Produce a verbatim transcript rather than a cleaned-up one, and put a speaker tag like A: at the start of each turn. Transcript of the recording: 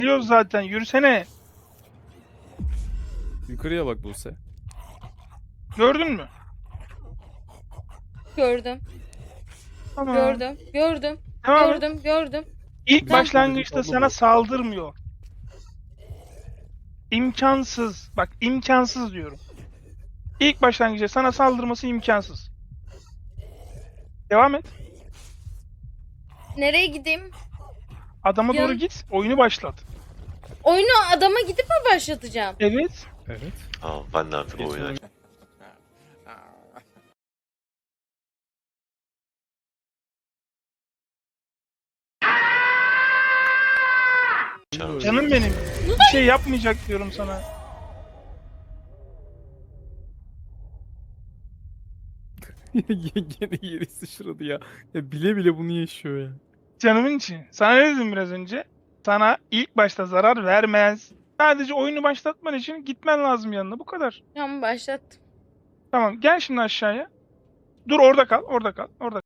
A: Biliyoruz zaten. Yürüsene.
B: Yukarıya bak Buse.
A: Gördün mü?
C: Gördüm.
A: Tamam.
C: Gördüm. Gördüm.
A: Devam et.
C: Gördüm. Gördüm.
A: İlk
B: Bizim
A: başlangıçta
B: abla
A: sana
B: bu.
A: saldırmıyor. İmkansız. Bak imkansız diyorum. İlk başlangıçta sana saldırması imkansız. Devam et.
C: Nereye gideyim?
A: Adama
C: Yan-
A: doğru git. Oyunu başlat.
C: Oyunu adama gidip mi başlatacağım?
A: Evet.
B: Evet.
D: Tamam ben de artık o oyunu açayım.
A: Canım benim. Bir şey yapmayacak diyorum sana.
B: Gene yeri sıçradı ya. Ya bile bile bunu yaşıyor ya.
A: Canımın için. Sana ne dedim biraz önce? Sana ilk başta zarar vermez. Sadece oyunu başlatman için gitmen lazım yanına. Bu kadar.
C: Tamam başlattım.
A: Tamam gel şimdi aşağıya. Dur orada kal. Orada kal. Orada